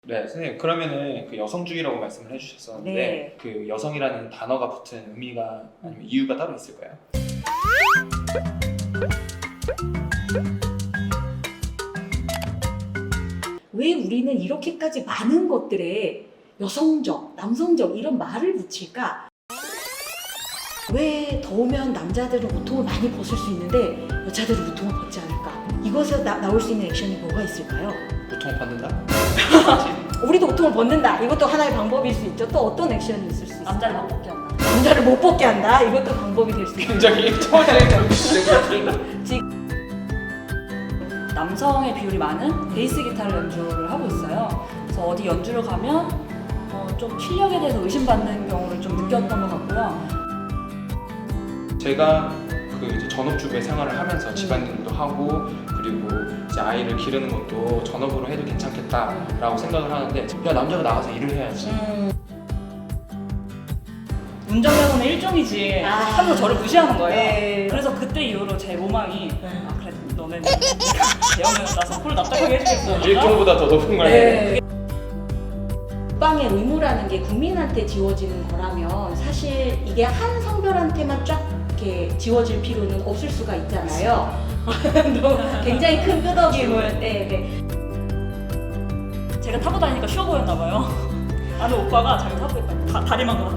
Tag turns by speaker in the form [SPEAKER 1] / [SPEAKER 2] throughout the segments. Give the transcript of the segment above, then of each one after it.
[SPEAKER 1] 네, 선생님 그러면은 그 여성주의라고 말씀을 해주셨었는데
[SPEAKER 2] 네.
[SPEAKER 1] 그 여성이라는 단어가 붙은 의미가 아니면 이유가 따로 있을까요?
[SPEAKER 2] 왜 우리는 이렇게까지 많은 것들에 여성적, 남성적 이런 말을 붙일까? 왜 더우면 남자들은 우통을 많이 벗을 수 있는데 여자들은 우통을 벗지 않을까? 이것에서 나올 수 있는 액션이 뭐가 있을까요?
[SPEAKER 1] 보통 받는다?
[SPEAKER 2] 우리도 우통을 벗는다. 이것도 하나의 방법일 수 있죠. 또 어떤 액션이 있을 수 있을까요?
[SPEAKER 3] 남자를 못 벗게 한다.
[SPEAKER 2] 남자를 못 벗게 한다. 이것도 방법이 될 수 있죠.
[SPEAKER 1] 굉장히 초보적인
[SPEAKER 3] 남성의 비율이 많은 베이스 기타를 연주를 하고 있어요. 그래서 어디 연주를 가면 좀 실력에 대해서 의심받는 경우를 좀 느꼈던 것 같고요.
[SPEAKER 1] 제가 그 이제 전업주부의 생활을 하면서 집안일도 하고 그리고 이제 아이를 기르는 것도 전업으로 해도 괜찮겠다라고 생각을 하는데 야 남자가 나가서 일을 해야지.
[SPEAKER 3] 운전면허는 일종이지
[SPEAKER 2] 아.
[SPEAKER 3] 하면서 저를 무시하는 거예요.
[SPEAKER 2] 네.
[SPEAKER 3] 그래서 그때 이후로 제 로망이 아 그래 너는 대형면허 따서 콜 납작하게 해주겠어.
[SPEAKER 1] 일종보다 더 높은 걸
[SPEAKER 2] 네. 국방의 의무라는 게 국민한테 지워지는 거라면 사실 이게 한 성별한테만 쫙 이렇게 지워질 필요는 없을 수가 있잖아요. 굉장히 큰 끄덕임을. 네.
[SPEAKER 3] 제가 타고 다니니까 쉬워 보였나 봐요. 아는 오빠가 자기 타고 있다고 다리만 걸어.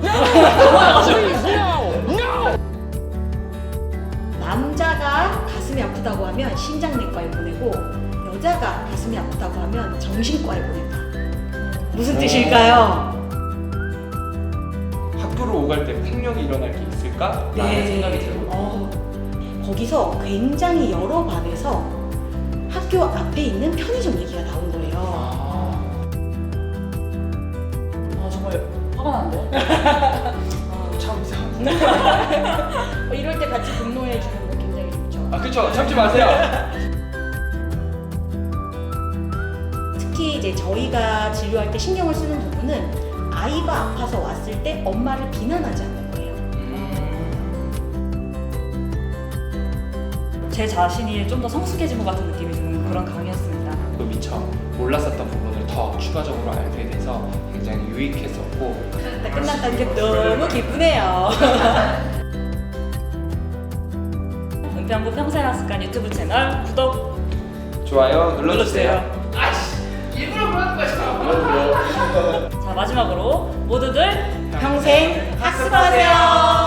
[SPEAKER 2] 남자가 가슴이 아프다고 하면 심장내과에 보내고 여자가 가슴이 아프다고 하면 정신과에 보낸다. 무슨 뜻일까요?
[SPEAKER 1] 학교를 오갈 때 폭력이 일어날 게 있을까라는 생각이 들거든요.
[SPEAKER 2] 거기서 굉장히 여러 반에서 학교 앞에 있는 편의점 얘기가 나온 거예요.
[SPEAKER 3] 정말 화가 나는데.
[SPEAKER 1] 참 이상한데.
[SPEAKER 2] 이럴 때 같이 분노해 주는 거 굉장히 좋죠.
[SPEAKER 1] 아 그쵸, 참지 마세요.
[SPEAKER 2] 특히 이제 저희가 진료할 때 신경을 쓰는 부분은 아이가 아파서 왔을 때 엄마를 비난하지 않는 거예요.
[SPEAKER 3] 제 자신이 좀 더 성숙해진 것 같은 느낌이 드는 그런 강의였습니다.
[SPEAKER 1] 또 미처 몰랐었던 부분을 더 추가적으로 알게 돼서 굉장히 유익했었고
[SPEAKER 2] 끝났다는 게 너무 기쁘네요.
[SPEAKER 3] 은평구 평생학습관 유튜브 채널 구독
[SPEAKER 1] 좋아요 눌러주세요.
[SPEAKER 3] 일부러 그러는 거죠. 자 마지막으로 모두들
[SPEAKER 2] 평생 학습하세요.